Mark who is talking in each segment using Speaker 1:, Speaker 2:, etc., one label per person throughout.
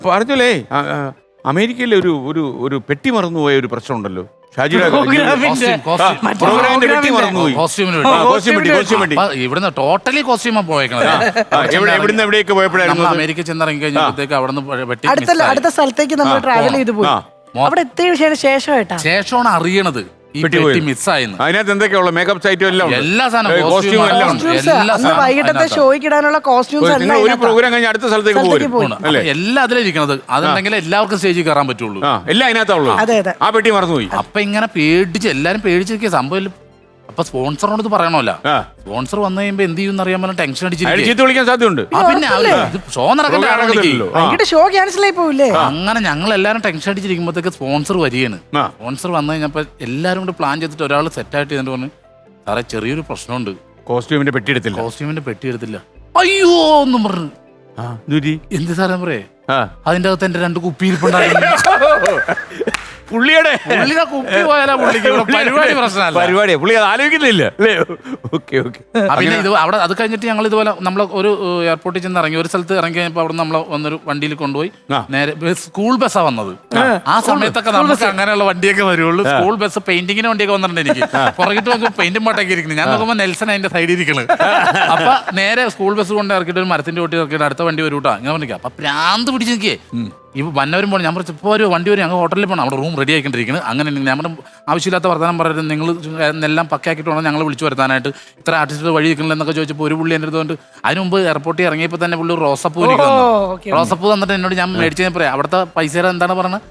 Speaker 1: പറഞ്ഞോലേ അമേരിക്കയിലെ ഒരു പെട്ടി മറന്നുപോയ ഒരു പ്രശ്നമുണ്ടല്ലോ. ഷാജിയുടെ പ്രോഗ്രാമിന്റെ പെട്ടി മറന്നുപോയി.
Speaker 2: ഇവിടുന്ന് ടോട്ടലി കോസ്റ്റ്യൂമാ പോയേക്കണത്.
Speaker 1: എവിടുന്ന് എവിടെയൊക്കെ പോയപ്പോഴായിരുന്നു
Speaker 2: അമേരിക്ക ചെന്നിറങ്ങി കഴിഞ്ഞപ്പോഴത്തേക്ക് അവിടെ
Speaker 3: അടുത്ത സ്ഥലത്തേക്ക് നമ്മൾ ട്രാവൽ ചെയ്തു പോയി. അവിടെ എത്തിയ
Speaker 2: ശേഷമാണ് അറിയണത് ഈ പെട്ടി മിസ്സായെന്ന്.
Speaker 1: അതിനകത്ത് എന്തൊക്കെയുള്ള മേക്കപ്പ് സൈറ്റും എല്ലാം
Speaker 2: എല്ലാ സാധനവും
Speaker 3: വൈകിട്ടത്തെ ഷോയ്ക്ക് ഇടാനുള്ള കോസ്റ്റ്യൂംസ്
Speaker 1: ഒരു പ്രോഗ്രാം കഴിഞ്ഞ് അടുത്ത സ്ഥലത്തേക്ക് പോകും.
Speaker 2: എല്ലാം അതിലിരിക്കണത്. അതുണ്ടെങ്കിൽ എല്ലാവർക്കും സ്റ്റേജിൽ കയറാൻ പറ്റുള്ളൂ.
Speaker 1: എല്ലാം അതിനകത്തുള്ളൂ. ആ പെട്ടി മറന്നുപോയി.
Speaker 2: അപ്പൊ ഇങ്ങനെ പേടിച്ച് എല്ലാരും പേടിച്ചിരിക്കുക സംഭവം. അപ്പൊ സ്പോൺസറിനോട് ഇത് പറയണമല്ല. സ്പോൺസർ വന്നു കഴിയുമ്പോ എന്ത് ചെയ്യുന്ന അറിയാൻ പറ്റും. ടെൻഷൻ
Speaker 1: അടിച്ചിട്ട് വിളിക്കാൻ സാധ്യതയുണ്ട്.
Speaker 2: പിന്നെ ഷോ നടക്കണ്ടല്ലോ.
Speaker 3: ഷോ ക്യാൻസൽ ആയി പോവില്ലേ.
Speaker 2: അങ്ങനെ ഞങ്ങൾ എല്ലാരും ടെൻഷൻ അടിച്ചിരിക്കുമ്പോഴത്തേക്ക് സ്പോൺസർ വരികയാണ്. സ്പോൺസർ വന്നു കഴിഞ്ഞപ്പോ എല്ലാരും കൂടി പ്ലാൻ ചെയ്തിട്ട് ഒരാൾ സെറ്റായിട്ട് ചെയ്തിട്ട് പറഞ്ഞു, സാറേ ചെറിയൊരു പ്രശ്നമുണ്ട്,
Speaker 1: കോസ്റ്റ്യൂമിന്റെ പെട്ടി
Speaker 2: എടുത്തില്ല. അയ്യോ ഒന്നും പറഞ്ഞു. എന്ത് സാറേ പറയേ, അതിന്റെ അകത്ത് എന്റെ 2 കുപ്പി ഇരിപ്പുണ്ടായിരുന്നു.
Speaker 1: പുള്ളിയുടെ
Speaker 2: കുപ്പി പോയാലാ പരിപാടി പ്രശ്നമല്ല.
Speaker 1: പരിപാടിയാ പുള്ളി അത് ആലോചിക്കുന്നില്ല.
Speaker 2: പിന്നെ ഇത് അവിടെ അത് കഴിഞ്ഞിട്ട് ഞങ്ങൾ ഇതുപോലെ നമ്മൾ ഒരു എയർപോർട്ടിൽ ചെന്ന് ഇറങ്ങി. ഒരു സ്ഥലത്ത് ഇറങ്ങി കഴിഞ്ഞപ്പോൾ അവിടെ നമ്മൾ വന്നൊരു വണ്ടിയിൽ കൊണ്ടുപോയി നേരെ സ്കൂൾ ബസ്സാണ് വന്നത്. ആ സമയത്തൊക്കെ നമുക്ക് അങ്ങനെയുള്ള വണ്ടിയൊക്കെ വരുള്ളൂ. സ്കൂൾ ബസ് പെയിന്റിങ്ങിന് വണ്ടിയൊക്കെ വന്നിട്ടുണ്ട്. എനിക്ക് പുറകിട്ട് നോക്കുമ്പോൾ പെയിന്റും പാട്ടൊക്കെ ഇരിക്കുന്നത്. ഞാൻ നോക്കുമ്പോൾ നെൽസൺ അതിന്റെ സൈഡിൽ ഇരിക്കുന്നത്. അപ്പൊ നേരെ സ്കൂൾ ബസ് കൊണ്ട് ഇറക്കിയിട്ട് ഒരു മരത്തിന്റെ ഓട്ടി ഇറക്കിയിട്ട് അടുത്ത വണ്ടി വരൂട്ടാ ഇങ്ങനെ പറഞ്ഞിരിക്കുക. അപ്പൊ പ്രാന്ത് പിടിച്ച് നിൽക്കേ ഈ വന്നവരും പോകണം. ഞാൻ പറഞ്ഞു ഇപ്പോൾ ഒരു വണ്ടി വരും, ഞങ്ങൾ ഹോട്ടലിൽ പോകണം, അവിടെ റൂം റെഡി ആയിക്കൊണ്ടിരിക്കുന്നത്. അങ്ങനെ ഞാൻ ആവശ്യമില്ലാത്ത വർത്തമാനം പറയുന്നത്, നിങ്ങൾ എല്ലാം പക്കയാക്കിയിട്ട് വേണം ഞങ്ങൾ വിളിച്ചു വരുത്താനായിട്ട്. ഇത്ര ആർട്ടിസ്റ്റ് വഴി നിൽക്കണില്ല എന്നൊക്കെ ചോദിച്ചപ്പോൾ ഒരു പുള്ളി എൻ്റെ അടുത്തുകൊണ്ട് അതിന് മുമ്പ് എയർപോർട്ടിൽ ഇറങ്ങിയപ്പോൾ തന്നെ പുള്ളി റോസപ്പൂ റോസപ്പൂ തന്നിട്ട് എന്നോട് ഞാൻ മേടിച്ചു പറയാം. അവിടുത്തെ പൈസ എന്താണ് പറഞ്ഞത്?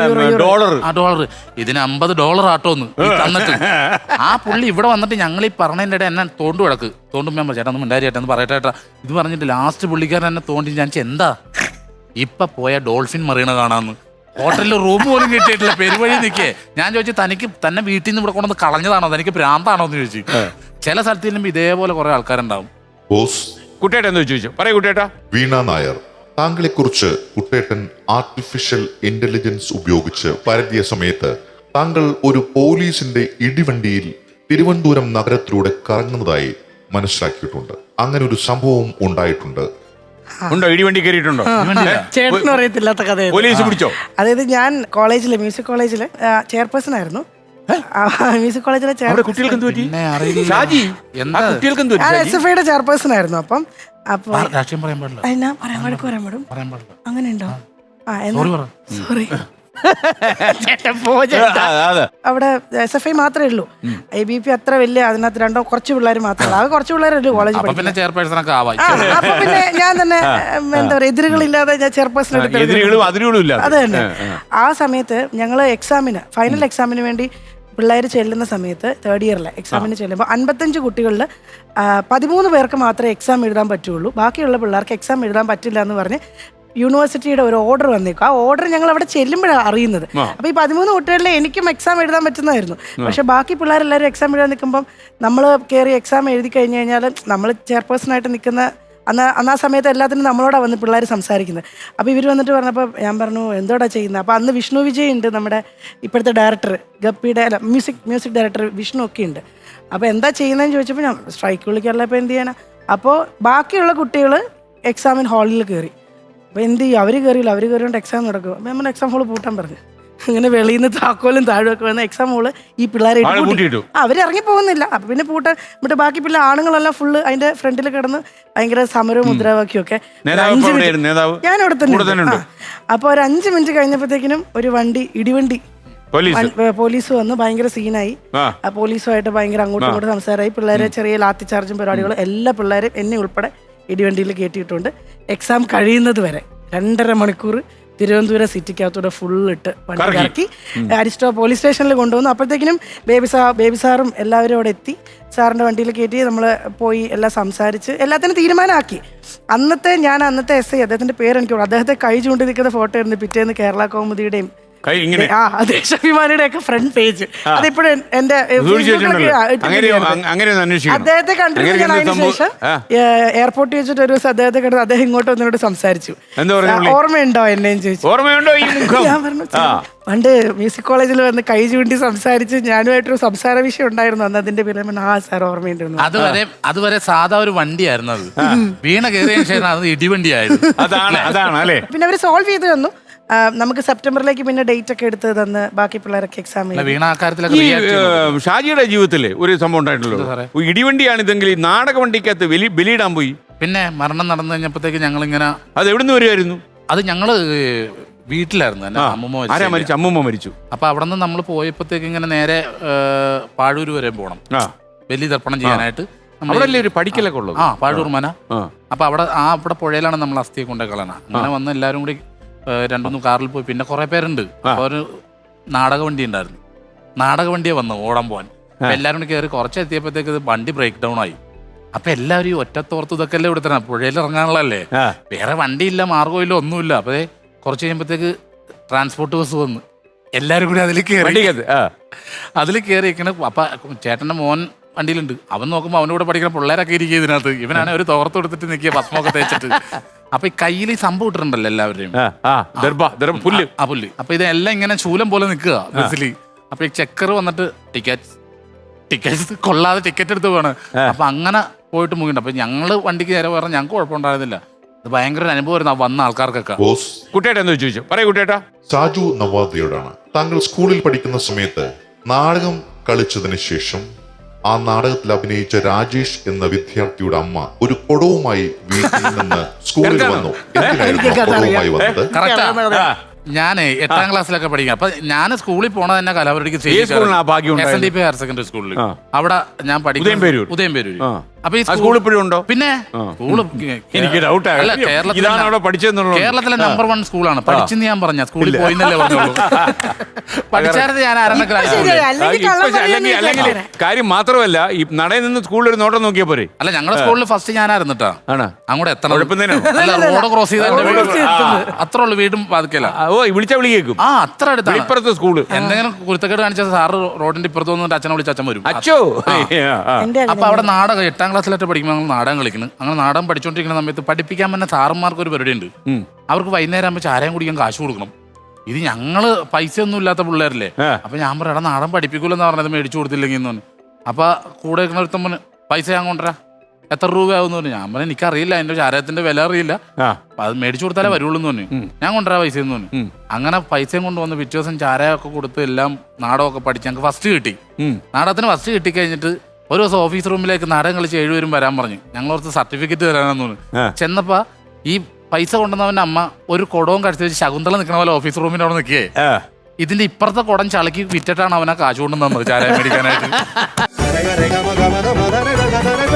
Speaker 2: $100. ഇതിന് $50 ആട്ടോന്ന് തന്നിട്ട് ആ പുള്ളി ഇവിടെ വന്നിട്ട് ഞങ്ങൾ ഈ പറഞ്ഞതിൻ്റെ ഇടയിൽ എന്നെ തോണ്ടു കിടക്ക് തോണ്ടുമ്പോൾ ഞാൻ ചേട്ടാ ഒന്ന് മിണ്ടാരിയേട്ടാ എന്ന് പറയട്ടെ ഇത് പറഞ്ഞിട്ട് ലാസ്റ്റ് പുള്ളിക്കാരൻ എന്നെ തോണ്ടി ഞാൻ എന്താ ഇപ്പൊ പോയ ഡോൾഫിൻ മറീണ കാണാന്ന്. ഹോട്ടലിൽ റൂം പോലും കിട്ടിയിട്ടില്ല, പെരുവഴി നിൽക്കേ. ഞാൻ ചോദിച്ചു തനിക്ക് തന്നെ വീട്ടിൽ നിന്ന് ഇവിടെ കൊണ്ടുവന്ന് കളഞ്ഞതാണോ, തനിക്ക് ഭ്രാന്താണോ എന്ന് ചോദിച്ചു. ചില സ്ഥലത്ത് ചെല്ലുമ്പോൾ ഇതേപോലെ കുറെ ആൾക്കാരുണ്ടാവും.
Speaker 1: കുട്ടേട്ടൻ ചോദിച്ചു പറയൂ. കുട്ടേട്ടാ,
Speaker 4: വീണ നായർ, താങ്കളെ കുറിച്ച് കുട്ടേട്ടൻ ആർട്ടിഫിഷ്യൽ ഇന്റലിജൻസ് ഉപയോഗിച്ച് പരതിയ സമയത്ത് താങ്കൾ ഒരു പോലീസിന്റെ ഇടിവണ്ടിയിൽ തിരുവനന്തപുരം നഗരത്തിലൂടെ കറങ്ങുന്നതായി മനസ്സിലാക്കിയിട്ടുണ്ട്. അങ്ങനെ ഒരു സംഭവം ഉണ്ടായിട്ടുണ്ട്.
Speaker 1: ഉണ്ടോ? ഇടിവണ്ടി കയറിയിട്ടുണ്ടോ?
Speaker 3: ചേട്ടനും അറിയത്തില്ലാത്ത കഥ.
Speaker 1: പോലീസ് പിടിച്ചോ?
Speaker 3: അതായത് ഞാൻ കോളേജില് മ്യൂസിക് കോളേജില് ചെയർപേഴ്സൺ ആയിരുന്നു. മ്യൂസിക് കോളേജിലെ SFIയുടെ ചെയർപേഴ്സൺ ആയിരുന്നു. അപ്പം അങ്ങനെ ഉണ്ടോ? സോറി അവിടെ SFI മാത്രമേ ഉള്ളൂ. ABP അത്ര വലിയ അതിനകത്ത് രണ്ടോ കുറച്ച് പിള്ളേർ മാത്രമേ ഉള്ളൂ. കുറച്ച് പിള്ളേരല്ലേ കോളേജിൽ. അപ്പൊ പിന്നെ ഞാൻ തന്നെ എന്താ പറയുക, എതിരുകളില്ലാതെ ഞാൻ ചെയർപേഴ്സൺ അത് തന്നെ. ആ സമയത്ത് ഞങ്ങൾ ഫൈനൽ എക്സാമിന് വേണ്ടി പിള്ളേർ ചെല്ലുന്ന സമയത്ത് തേർഡ് ഇയറിലെ എക്സാമിന് ചെല്ലുമ്പോൾ 55 കുട്ടികളിൽ 13 പേർക്ക് മാത്രമേ എക്സാം എഴുതാൻ പറ്റുള്ളൂ. ബാക്കിയുള്ള പിള്ളേർക്ക് എക്സാം എഴുതാൻ പറ്റില്ല എന്ന് പറഞ്ഞ് യൂണിവേഴ്സിറ്റിയുടെ ഒരു ഓർഡർ വന്നേക്കും. ആ ഓർഡർ ഞങ്ങൾ അവിടെ ചെല്ലുമ്പോഴാണ് അറിയുന്നത്. അപ്പോൾ ഈ 13 കുട്ടികളിൽ എനിക്കും എക്സാം എഴുതാൻ പറ്റുന്നതായിരുന്നു. പക്ഷെ ബാക്കി പിള്ളേരെല്ലാവരും എക്സാം എഴുതാൻ നിൽക്കുമ്പം നമ്മൾ കയറി എക്സാം എഴുതി കഴിഞ്ഞ് കഴിഞ്ഞാൽ നമ്മൾ ചെയർപേഴ്സണായിട്ട് നിൽക്കുന്ന അന്ന് ആ സമയത്ത് എല്ലാത്തിനും നമ്മളോടാണ് വന്ന് പിള്ളേർ സംസാരിക്കുന്നത്. അപ്പോൾ ഇവർ വന്നിട്ട് പറഞ്ഞപ്പോൾ ഞാൻ പറഞ്ഞു എന്തോടാ ചെയ്യുന്നത്. അപ്പോൾ അന്ന് വിഷ്ണു വിജയ് ഉണ്ട്, നമ്മുടെ ഇപ്പോഴത്തെ ഡയറക്ടർ ഗപ്പിയുടെ മ്യൂസിക് ഡയറക്ടർ വിഷ്ണു ഒക്കെ ഉണ്ട്. അപ്പോൾ എന്താ ചെയ്യുന്നതെന്ന് ചോദിച്ചപ്പോൾ ഞാൻ സ്ട്രൈക്ക് വിളിക്കാറില്ല, അപ്പോൾ എന്ത് ചെയ്യാനാ. അപ്പോൾ ബാക്കിയുള്ള കുട്ടികൾ എക്സാമിന് ഹാളിൽ കയറി. അപ്പോൾ എന്ത് ചെയ്യും, അവർ കയറിക്കൊണ്ട് എക്സാം നടക്കും. അപ്പോൾ നമ്മൾ എക്സാം ഹോൾ പൂട്ടാൻ പറഞ്ഞു. അങ്ങനെ വെളിയിൽ നിന്ന് താക്കോലും താഴെയൊക്കെ വന്ന എക്സാം ഹോള് ഈ പിള്ളേരെ അവരിറങ്ങി പോകുന്നില്ല. അപ്പം പിന്നെ എന്നിട്ട് ബാക്കി പിള്ളേർ ആണുങ്ങളെല്ലാം ഫുള്ള് അതിന്റെ ഫ്രണ്ടിൽ കിടന്ന് ഭയങ്കര സമരവും മുദ്രാവാക്യമൊക്കെ. ഞാൻ അവിടെ തന്നെ. അപ്പോൾ ഒരു 5 മിനിറ്റ് കഴിഞ്ഞപ്പോഴത്തേക്കിനും ഒരു ഇടിവണ്ടി പോലീസ് വന്ന് ഭയങ്കര സീനായി. ആ പോലീസുമായിട്ട് ഭയങ്കര അങ്ങോട്ടും ഇങ്ങോട്ടും സംസാരമായി. പിള്ളേരെ ചെറിയ ലാത്തി ചാർജും പരിപാടികളും എല്ലാ പിള്ളേരും എന്നെ ഉൾപ്പെടെ ഇടിവണ്ടിയിൽ കയറ്റിയിട്ടുണ്ട്. എക്സാം കഴിയുന്നത് വരെ 2.5 മണിക്കൂർ തിരുവനന്തപുരം സിറ്റിക്കകത്തൂടെ ഫുള്ളിട്ട് വണ്ടി ഇറക്കി അരിസ്റ്റോ പോലീസ് സ്റ്റേഷനിൽ കൊണ്ടുവന്നു. അപ്പോഴത്തേക്കിനും ബേബി സാറും എല്ലാവരും അവിടെ എത്തി. സാറിൻ്റെ വണ്ടിയിൽ കയറ്റി നമ്മൾ പോയി എല്ലാം സംസാരിച്ച് എല്ലാത്തിനും തീരുമാനമാക്കി. അന്നത്തെ SI അദ്ദേഹത്തിൻ്റെ പേരെനിക്ക് അദ്ദേഹത്തെ കൈ ചൂണ്ടി നിൽക്കുന്ന ഫോട്ടോ ആയിരുന്നു പിറ്റേന്ന് കേരള കൗമുദിയുടെയും
Speaker 1: കൈ ഇങ്ങനെ
Speaker 3: ദേശാഭിമാനിയുടെ ഒക്കെ ഫ്രണ്ട് പേജ് അതിപ്പോഴും എന്റെ
Speaker 1: അങ്ങനെ
Speaker 3: അദ്ദേഹത്തെ കണ്ടിട്ട് ഞാൻ അതിന് ശേഷം എയർപോർട്ടിൽ വെച്ചിട്ട് ഒരു ദിവസം അദ്ദേഹത്തെ കണ്ടത് അദ്ദേഹം ഇങ്ങോട്ട് വന്നിട്ട് സംസാരിച്ചു. ഓർമ്മയുണ്ടോ എന്നെയും ചോദിച്ചു.
Speaker 1: ഓർമ്മയുണ്ടോ?
Speaker 3: ഞാൻ പറഞ്ഞു പണ്ട് മ്യൂസിക് കോളേജിൽ വന്ന് കൈ ചൂണ്ടി സംസാരിച്ച് ഞാനുമായിട്ടൊരു സംസാര വിഷയം ഉണ്ടായിരുന്നു അന്ന്. അതിന്റെ പേര് സാർ ഓർമ്മയുണ്ടെന്ന്.
Speaker 2: അതുവരെ സാധാ ഒരു വണ്ടിയായിരുന്നു അത്. വീണ കയറിയ ശേഷം അത് ഇടിവണ്ടിയായിരുന്നു.
Speaker 1: അതാണ് അല്ലേ.
Speaker 3: പിന്നെ അവര് സോൾവ് ചെയ്ത് തന്നു. നമുക്ക് സെപ്റ്റംബറിലേക്ക് പിന്നെ ഡേറ്റ് ഒക്കെ എടുത്ത് തന്ന് ബാക്കി പിള്ളേരൊക്കെ എക്സാം
Speaker 1: ഷാജിയുടെ ജീവിതത്തില് ഒരു സംഭവം ഉണ്ടായിട്ടുള്ളൂ. ഇടിവണ്ടിയാണ് ഇതെങ്കിൽ നാടക വണ്ടിക്കകത്ത് ബലിയിടാൻ പോയി.
Speaker 2: പിന്നെ മരണം നടന്നു കഴിഞ്ഞപ്പോഴത്തേക്ക് ഞങ്ങൾ ഇങ്ങനെ
Speaker 1: അത് എവിടുന്ന് വരുമായിരുന്നു?
Speaker 2: അത് ഞങ്ങള് വീട്ടിലായിരുന്നു.
Speaker 1: അമ്മൂമ്മ മരിച്ചു.
Speaker 2: അപ്പൊ അവിടെ നിന്ന് നമ്മൾ പോയപ്പോഴത്തേക്ക് ഇങ്ങനെ നേരെ പാഴൂര് വരെ പോകണം ബലി തർപ്പണം ചെയ്യാനായിട്ട്.
Speaker 1: നമ്മളല്ലേ ഒരു പഠിക്കലൊക്കെ ഉള്ളത്.
Speaker 2: പാഴൂർ മന. അപ്പൊ അവിടെ പുഴയിലാണ് നമ്മൾ അസ്ഥിയെ കൊണ്ടേ കളയണം. അങ്ങനെ വന്ന് എല്ലാവരും കൂടി 2-3 കാറിൽ പോയി. പിന്നെ കുറെ പേരുണ്ട്. അപ്പൊ ഒരു നാടക വണ്ടി ഉണ്ടായിരുന്നു. നാടക വണ്ടിയെ വന്നു ഓടാൻ പോവാൻ. എല്ലാവരും കൂടി കയറി കുറച്ച് എത്തിയപ്പോഴത്തേക്ക് വണ്ടി ബ്രേക്ക് ഡൗൺ ആയി. അപ്പൊ എല്ലാവരും ഈ ഒറ്റത്തോർത്ത് ഇതൊക്കെ അല്ലേ ഇവിടെ തന്നെ പുഴയിൽ ഇറങ്ങാനുള്ളല്ലേ, വേറെ വണ്ടിയില്ല, മാർഗമില്ല, ഒന്നുമില്ല. അപ്പൊ കുറച്ച് കഴിയുമ്പോഴത്തേക്ക് ട്രാൻസ്പോർട്ട് ബസ് വന്ന് എല്ലാരും കൂടി അതിൽ കയറി ഇരിക്കണ. അപ്പൊ ചേട്ടന്റെ മോൻ വണ്ടിയിലുണ്ട്. അവൻ നോക്കുമ്പോൾ അവൻ്റെ കൂടെ പഠിക്കുന്ന പിള്ളേരൊക്കെ ഇരിക്കുക ഇതിനകത്ത്. ഇവനാണ് ഒരു തോർത്ത് കൊടുത്തിട്ട് നിൽക്കുക ഭസ്മൊക്കെ തേച്ചിട്ട്. അപ്പൊ ഈ കയ്യിൽ ഈ സംഭവം ഇട്ടിട്ടുണ്ടല്ലോ എല്ലാവരുടെയും പുല്ല്. അപ്പൊ ഇതെല്ലാം ഇങ്ങനെ ശൂലം പോലെ നിൽക്കുക ബസ്സില്. അപ്പൊ ഈ ചെക്കർ വന്നിട്ട് ടിക്കറ്റ് കൊള്ളാതെ ടിക്കറ്റ് എടുത്ത് പോവാണ്. അപ്പൊ അങ്ങനെ പോയിട്ട് മുങ്ങിണ്ട്. അപ്പൊ ഞങ്ങള് വണ്ടിക്ക് നേരെ പറഞ്ഞാൽ ഞങ്ങൾക്ക് കുഴപ്പമുണ്ടായിരുന്നില്ല. അത് ഭയങ്കര ഒരു അനുഭവമായിരുന്നു വന്ന ആൾക്കാർക്കൊക്കെ.
Speaker 1: കുട്ടേട്ടാ എന്ന് ചോദിച്ചു. പറയൂ കുട്ടേട്ടാ.
Speaker 4: സാജു നവാദിയോടാണ്. താങ്കൾ സ്കൂളിൽ പഠിക്കുന്ന സമയത്ത് നാടകം കളിച്ചതിന് ശേഷം ആ നാടകത്തിൽ അഭിനയിച്ച രാജേഷ് എന്ന വിദ്യാർത്ഥിയുടെ അമ്മ ഒരു കൊടവുമായി വീട്ടിൽ നിന്ന് സ്കൂളിൽ വന്നു. എന്തിനായിരുന്നു കൊടവുമായി വന്നത്?
Speaker 2: ഞാൻ 8ാം ക്ലാസ്സിലൊക്കെ പഠിക്കാം. അപ്പൊ ഞാൻ സ്കൂളിൽ പോണത് തന്നെ കലാപരിക്ക് SNDP ഹയർ സെക്കൻഡറി സ്കൂളിൽ. അവിടെ ഞാൻ പഠിക്കും ഉദയംപേരൂർ. അപ്പൊ ഈ സ്കൂൾ ഇപ്പോഴും ഉണ്ടോ? പിന്നെ
Speaker 1: എനിക്ക് ഡൗട്ട്
Speaker 2: അല്ല, കേരളത്തിലെ നമ്പർ 1 സ്കൂളാണ്. പഠിച്ചെന്ന് ഞാൻ പറഞ്ഞ സ്കൂളിൽ പോയിന്നല്ലേ പറഞ്ഞോളൂ. പഠിച്ചായിരുന്നു ഞാൻ
Speaker 1: അല്ലെങ്കിൽ കാര്യം മാത്രമല്ല ഈ നടയിൽ നിന്ന് സ്കൂളിൽ ഒരു നോട്ടം നോക്കിയാ പോരെ.
Speaker 2: അല്ല, ഞങ്ങളുടെ സ്കൂളിൽ ഫസ്റ്റ് ഞാനായിരുന്നിട്ടാ. അങ്ങോട്ട് എത്തണം, റോഡ് ക്രോസ് ചെയ്ത അത്ര ഉള്ളു വീടും ബാധിക്കല.
Speaker 1: വിളിച്ചാ വിളി കേൾക്കും.
Speaker 2: അത്ര അടുത്താണ്
Speaker 1: ഇപ്പുറത്തെ സ്കൂള്.
Speaker 2: എന്തെങ്കിലും കുരുത്തക്കേട് കാണിച്ച സാറ് റോഡിന്റെ ഇപ്പുറത്ത് വന്നിട്ട് അച്ഛനെ വിളിച്ച് അച്ഛൻ വരും.
Speaker 1: അച്ഛോ.
Speaker 3: അപ്പൊ
Speaker 2: അവിടെ നാടകം 8ാം ക്ലാസ്സിലായിട്ട് പഠിക്കുമ്പോൾ ഞങ്ങൾ നാടകം കളിക്കുന്നു. അങ്ങനെ നാടകം പഠിച്ചുകൊണ്ടിരിക്കുന്ന സമയത്ത് പഠിപ്പിക്കാൻ തന്നെ സാറന്മാർക്ക് ഒരു പരിപാടി ഉണ്ട്. അവർക്ക് വൈകുന്നേരം ആകുമ്പോൾ ചാരം കുടിക്കാൻ കാശ് കൊടുക്കണം. ഇത് ഞങ്ങള് പൈസ ഒന്നും ഇല്ലാത്ത പിള്ളേരല്ലേ. അപ്പൊ ഞാൻ പറയാം നാടൻ പഠിപ്പിക്കൂലെന്ന് പറഞ്ഞത് മേടിച്ചു കൊടുത്തില്ലെങ്കിൽ എന്ന് പറഞ്ഞു. അപ്പൊ കൂടെ ഒരുത്തമ്മ പൈസ ഞാൻ കൊണ്ടുവരാ, എത്ര രൂപയാവും പറഞ്ഞു. ഞാൻ പറഞ്ഞു എനിക്കറിയില്ല, അതിന്റെ ചാരത്തിന്റെ വില അറിയില്ല, അത് മേടിച്ചു കൊടുത്താലേ വരുള്ളൂ എന്ന് പറഞ്ഞു. ഞാൻ കൊണ്ടുവരാ പൈസ എന്ന് പറഞ്ഞു. അങ്ങനെ പൈസയും കൊണ്ടുവന്ന് പിറ്റേ ദിവസം ചാരയൊക്കെ കൊടുത്ത് എല്ലാം നാടകമൊക്കെ പഠിച്ച് ഞങ്ങൾക്ക് ഫസ്റ്റ് കിട്ടി. നാടകത്തിന് ഫസ്റ്റ് കിട്ടിക്കഴിഞ്ഞിട്ട് ഒരു ദിവസം ഓഫീസ് റൂമിലേക്ക് നാടകം കളിച്ച് 7 പേരും വരാൻ പറഞ്ഞു. ഞങ്ങളോർത്ത് സർട്ടിഫിക്കറ്റ് തരാനെന്ന് പറഞ്ഞു. ചെന്നപ്പോ ഈ പൈസ കൊണ്ടുവന്നവന്റെ അമ്മ ഒരു കുടവും കടിച്ചു വെച്ച് ശകുന്തള നിൽക്കണ പോലെ ഓഫീസ് റൂമിന്റെ അവിടെ നിൽക്കേ. ഇതിന്റെ ഇപ്പുറത്തെ കുടം ചളക്കി വിറ്റിട്ടാണ് അവനെ കാശ് കൊണ്ടുവന്നത് ചാരായ മേടിക്കാനായിട്ട്.